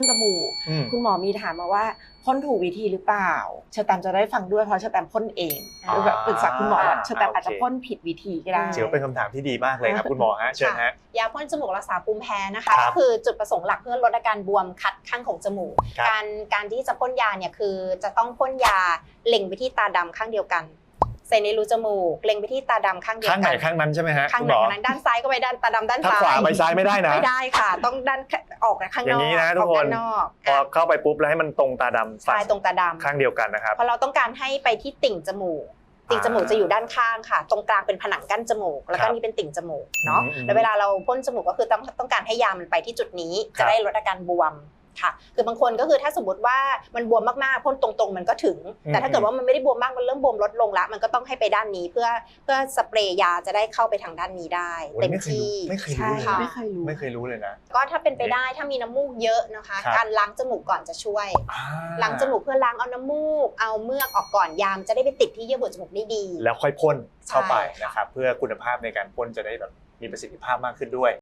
จมูกคุณหมอมีถามมาว่าพ่นถูกวิธีหรือเปล่าเชอร์แตมจะได้ฟังด้วยเพราะเชอร์แตมพ่นเองแบบปรึกษาคุณหมอว่าเชอร์แตมอาจจะพ่นผิดวิธีก็ได้เดี๋ยวเป็นคำถามที่ดีมากเลยครับคุณหมอฮะเชิญฮะยาพ่นจมูกรักษาภูมิแพ้นะคะก็คือจุดประสงค์หลักเพื่อลดอาการบวมคัดข้างของจมูกการที่จะพ่นยาเนี่ยคือจะต้องพ่นยาเล็งไปที่ตาดำข้างเดียวกันใส่ในรูจมูกเล็งไปที่ตาดำข้างเดียวกันข้างไหนข้างนั้นใช่ไหมฮะข้างไหนข้างนั้นด้านซ้ายก็ไปด้านตาดำด้านซ้ายถ้าขวาไปซ้ายไม่ได้นะไม่ได้ค่ะต้องด้านออกข้างนอกอย่างนี้นะทุกคนพอเข้าไปปุ๊บแล้วให้มันตรงตาดำใช่ตรงตาดำข้างเดียวกันนะครับเพราะเราต้องการให้ไปที่ติ่งจมูกติ่งจมูกจะอยู่ด้านข้างค่ะตรงกลางเป็นผนังกั้นจมูกแล้วก็นี่เป็นติ่งจมูกเนาะแล้วเวลาเราพ่นจมูกก็คือต้องการให้ยามันไปที่จุดนี้จะได้ลดอาการบวมค่ะคือบางคนก็คือถ้าสมมติว่ามันบวมมากๆพ่นตรงๆมันก็ถึงแต่ถ้าเกิดว่ามันไม่ได้บวมมากมันเริ่มบวมลดลงละมันก็ต้องให้ไปด้านนี้เพื่อสเปรย์ยาจะได้เข้าไปทางด้านนี้ได้เต็มที่ไม่เคยรู้เลยไม่เคยรู้เลยนะก็ถ้าเป็นไปได้ถ้ามีน้ำมูกเยอะนะคะการล้างจมูกก่อนจะช่วยล้างจมูกเพื่อล้างเอาน้ำมูกเอาเมือกออกก่อนยามจะได้ไปติดที่เยื่อบุจมูกได้ดีแล้วค่อยพ่นเข้าไปนะครับเพื่อคุณภาพในการพ่นจะได้แบบมีประสิทธิภาพมากขึ้นด้วย